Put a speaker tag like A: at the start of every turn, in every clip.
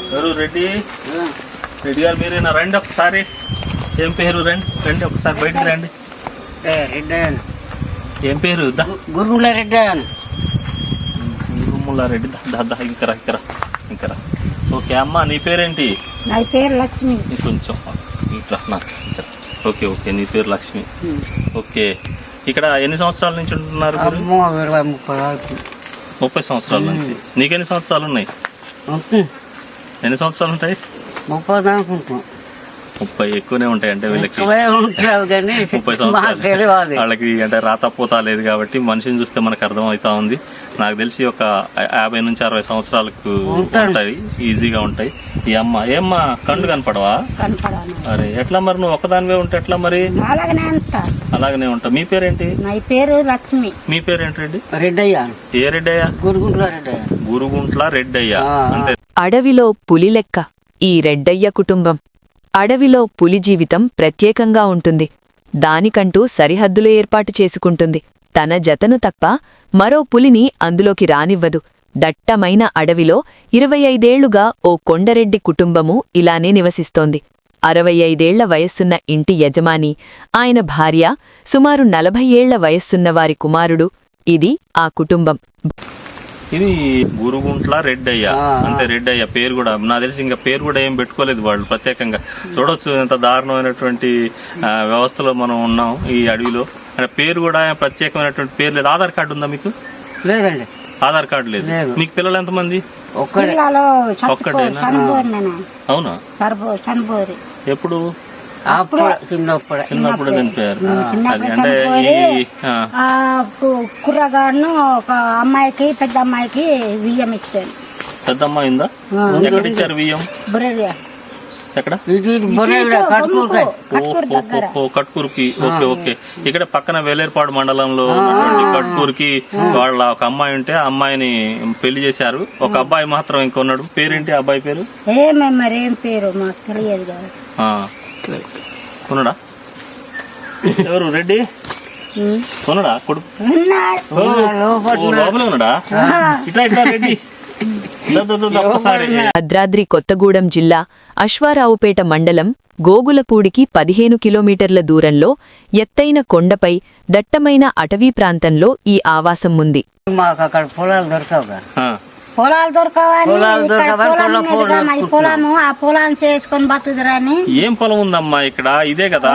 A: ఎవరు రెడ్డి రెడ్డి గారు మీరేనా? రండి ఒకసారి. ఏం పేరు? రండి రండి ఒకసారి బయటకు రండి. ఏం పేరు?
B: గురుముల రెడ్డి.
A: గురుముల రెడ్డి. ఇంకరా ఇంకరా ఇంకరా. ఓకే అమ్మ, నీ పేరేంటి?
C: నా పేరు లక్ష్మి.
A: కొంచెం ఇట్లా నాకు. ఓకే ఓకే, నీ పేరు లక్ష్మి. ఓకే, ఇక్కడ ఎన్ని సంవత్సరాల నుంచి ఉంటున్నారు? 30 సంవత్సరాల నుంచి. నీకెన్ని సంవత్సరాలు ఉన్నాయి? ఎన్ని సంవత్సరాలు ఉంటాయి?
B: 30 అనుకుంటాం.
A: 30 ఎక్కువనే ఉంటాయి. అంటే వీళ్ళకి 30 సంవత్సరాలు వాళ్ళకి అంటే రాతపోతా లేదు కాబట్టి మనిషిని చూస్తే మనకు అర్థమవుతా ఉంది. నాకు తెలిసి ఒక 50 నుంచి 60 సంవత్సరాలకు ఉంటాయి, ఈజీగా ఉంటాయి. ఈ అమ్మ ఏమ్మా కళ్ళు కనపడవా? అరే ఎట్లా మరి, నువ్వు ఒక్కదానివే ఉంటే ఎట్లా మరి? అలాగనే ఉంటా. మీ పేరేంటి?
C: నా పేరు లక్ష్మి.
A: మీ పేరేంటి? రెడ్డి.
B: రెడ్డయ్య.
A: ఏ రెడ్డయ్య? గురుగుంట్ల రెడ్డయ్య. అంతే.
D: అడవిలో పులి లెక్క ఈ రెడ్డయ్య కుటుంబం. అడవిలో పులి జీవితం ప్రత్యేకంగా ఉంటుంది. దానికంటూ సరిహద్దులు ఏర్పాటు చేసుకుంటుంది. తన జతను తప్ప మరో పులిని అందులోకి రానివ్వదు. దట్టమైన అడవిలో 25 ఏళ్లుగా ఓ కొండరెడ్డి కుటుంబము ఇలానే నివసిస్తోంది. 65 ఏళ్ల వయస్సున్న ఇంటి యజమాని, ఆయన భార్య, సుమారు 40 ఏళ్ల వయస్సున్న వారి కుమారుడు. ఇది ఆ కుటుంబం.
A: ఇది గురుగుంట్ల రెడ్డయ్య. అంటే రెడ్డయ్య పేరు కూడా నాకు తెలిసి ఇంకా పేరు కూడా ఏం పెట్టుకోలేదు వాళ్ళు ప్రత్యేకంగా. చూడొచ్చు ఎంత దారుణమైనటువంటి వ్యవస్థలో మనం ఉన్నాం ఈ అడవిలో. అంటే పేరు కూడా ప్రత్యేకమైనటువంటి పేరు లేదు. ఆధార్ కార్డు ఉందా మీకు?
B: లేదండి.
A: ఆధార్ కార్డు లేదు. మీకు పిల్లలు ఎంతమంది? ఒక్కడేనా? అవునా? ఎప్పుడు? చిన్నప్పుడు చనిపోయారు. అది అంటే
C: కుర్రగాడును ఒక అమ్మాయికి, పెద్ద అమ్మాయికి బియ్యం ఇచ్చాను.
A: పెద్ద అమ్మాయి ఉందా? ఎక్కడ ఇచ్చారు బియ్యం? ఎక్కడ? కట్కూరుకి. Okay okay. ఇక్కడ పక్కన వేలేరుపాడు మండలంలో ఉన్నటువంటి కట్కూరుకి వాళ్ళ ఒక అమ్మాయి ఉంటే ఆ అమ్మాయిని పెళ్లి చేశారు. ఒక అబ్బాయి మాత్రం ఇంకొన్నాడు. పేరేంటి అబ్బాయి పేరు?
C: ఏం పేరు మాకు తెలియదు కదా.
A: కొనడా? ఎవరు? రెడ్డి కొనడా? కొడుకు లోపల ఉన్నాడా? ఇట్లా ఇట్లా రెడ్డి.
D: భద్రాద్రి కొత్తగూడెం జిల్లా అశ్వారావుపేట మండలం గోగులపూడికి 15 కిలోమీటర్ల దూరంలో ఎత్తైన కొండపై దట్టమైన అటవీ ప్రాంతంలో ఈ ఆవాసం ఉంది.
C: పొలాలు దొరకవని పొలము ఆ పొలాన్ని చేసుకొని బతుకుదరని.
A: ఏం పొలం ఉందమ్మా ఇక్కడ? ఇదే కదా.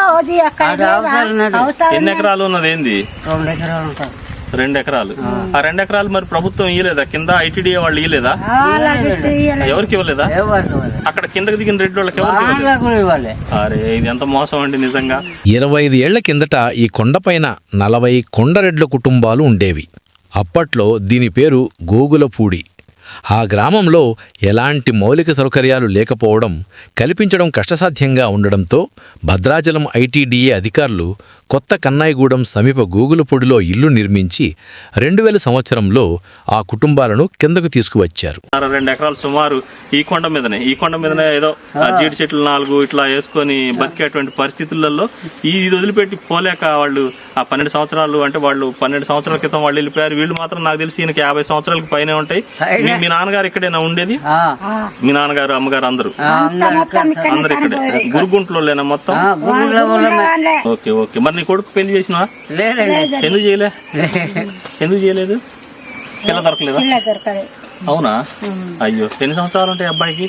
A: ఎన్ని ఎకరాలు ఉన్నది? ఏంది? 2 ఎకరాలు. ఆ 2 ఎకరాలు మరి ప్రభుత్వం ఇయ్యలేదా? కింద ఐటీడీఏ వాళ్ళు ఇయ్యలేదా? ఎవరికి ఇవ్వలేదా? అక్కడ కిందకి దిగిన రెడ్డి వాళ్ళకి ఎవరికి? అరే ఇది ఎంత మోసం అండి నిజంగా.
E: 25 ఏళ్ల కిందట ఈ కొండపైన 40 కొండరెడ్ల కుటుంబాలు ఉండేవి. అప్పట్లో దీని పేరు గోగులపూడి. ఆ గ్రామంలో ఎలాంటి మౌలిక సౌకర్యాలు లేకపోవడం, కల్పించడం కష్టసాధ్యంగా ఉండడంతో భద్రాచలం ఐటీడీఏ అధికారులు కొత్త కన్నాయిగూడెం సమీప గోగులపూడిలో ఇల్లు నిర్మించి 2000 సంవత్సరంలో ఆ కుటుంబాలను కిందకు తీసుకువచ్చారు.
A: 2 ఎకరాలు సుమారు ఈ కొండ మీదనే ఏదో జీడి చెట్లు 4 ఇట్లా వేసుకొని బతికేటువంటి పరిస్థితులలో ఇది వదిలిపెట్టి పోలేక వాళ్ళు ఆ 12 సంవత్సరాలు అంటే వాళ్ళు 12 సంవత్సరాల క్రితం వాళ్ళు వెళ్ళిపోయారు. వీళ్ళు మాత్రం నాకు తెలిసి ఈయనకి 50 సంవత్సరాలకు పైనే ఉంటాయి. మీ నాన్నగారు ఇక్కడేనా ఉండేది? మీ నాన్నగారు అమ్మగారు అందరూ ఇక్కడే గురుగుంట్లో లేనా మొత్తం? Okay okay. మరి నీ కొడుకు పెళ్లి చేసినా? ఎందుకు చేయలేదు? పిల్ల దొరకలేదా? అవునా? అయ్యో, ఎన్ని సంవత్సరాలు ఉంటాయి అబ్బాయికి?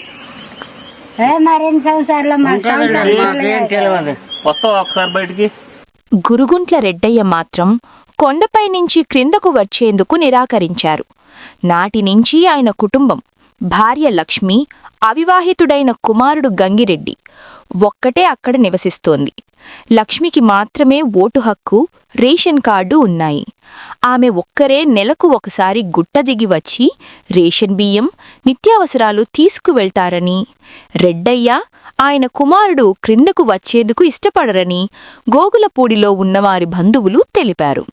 A: వస్తావా ఒకసారి బయటికి?
F: గురుగుంట్ల రెడ్డయ్య మాత్రం కొండపై నుంచి క్రిందకు వచ్చేందుకు నిరాకరించారు. నాటి నుంచి ఆయన కుటుంబం, భార్య లక్ష్మి, అవివాహితుడైన కుమారుడు గంగిరెడ్డి ఒక్కటే అక్కడ నివసిస్తోంది. లక్ష్మికి మాత్రమే ఓటు హక్కు, రేషన్ కార్డు ఉన్నాయి. ఆమె ఒక్కరే నెలకు ఒకసారి గుట్ట దిగి వచ్చి రేషన్ బియ్యం, నిత్యావసరాలు తీసుకువెళ్తారని, రెడ్డయ్య ఆయన కుమారుడు క్రిందకు వచ్చేందుకు ఇష్టపడరని గోగులపూడిలో ఉన్నవారి బంధువులు తెలిపారు.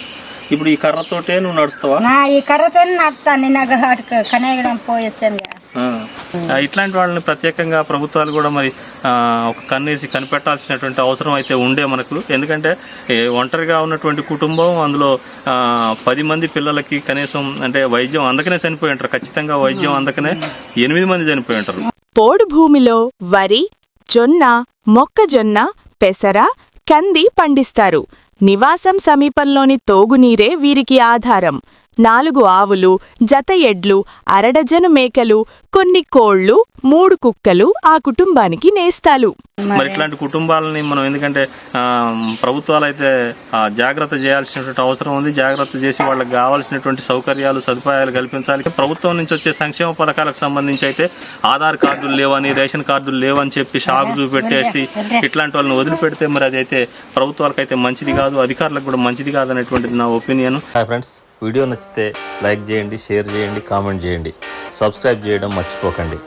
A: ఇప్పుడు ఈ కర్రతోటే నువ్వు నడుస్తావా?
C: ఈ కర్రతో నడుస్తాను. నాకు కనగడం పోయేస్తాను.
A: ఇట్లాంటి వాళ్ళని ప్రత్యేకంగా ప్రభుత్వాలు కూడా మరి ఒక కన్నేసి కనిపెట్టాల్సినటువంటి అవసరం అయితే ఉండే మనకు. ఎందుకంటే ఒంటరిగా ఉన్నటువంటి కుటుంబం, అందులో 10 మంది పిల్లలకి కనీసం అంటే వైద్యం అందకనే చనిపోయి ఉంటారు. ఖచ్చితంగా వైద్యం అందకనే 8 మంది చనిపోయి ఉంటారు.
F: పోడు భూమిలో వరి, జొన్న, మొక్కజొన్న, పెసర, కంది పండిస్తారు. నివాసం సమీపంలోని తోగునీరే వీరికి ఆధారం. 4 ఆవులు, జత ఎడ్లు, అరడజను మేకలు, కొన్ని కోళ్లు, 3 కుక్కలు ఆ కుటుంబానికి నేస్తాలు.
A: మరి ఇట్లాంటి కుటుంబాలని మనం ఎందుకంటే ప్రభుత్వాలు అయితే జాగ్రత్త చేయాల్సినటువంటి అవసరం ఉంది. జాగ్రత్త చేసి వాళ్ళకి కావాల్సినటువంటి సౌకర్యాలు, సదుపాయాలు కల్పించాలి. ప్రభుత్వం నుంచి వచ్చే సంక్షేమ పథకాలకు సంబంధించి అయితే ఆధార్ కార్డులు లేవని, రేషన్ కార్డులు లేవని చెప్పి షాకు చూపెట్టేసి ఇట్లాంటి వాళ్ళని వదిలిపెడితే మరి అదైతే ప్రభుత్వాలకు అయితే మంచిది కాదు, అధికారులకు కూడా మంచిది కాదు అనేటువంటిది నా ఒపీనియన్.
G: హాయ్ ఫ్రెండ్స్, వీడియో నచ్చితే లైక్ చేయండి, షేర్ చేయండి, కామెంట్ చేయండి, సబ్స్క్రైబ్ చేయడం మర్చిపోకండి.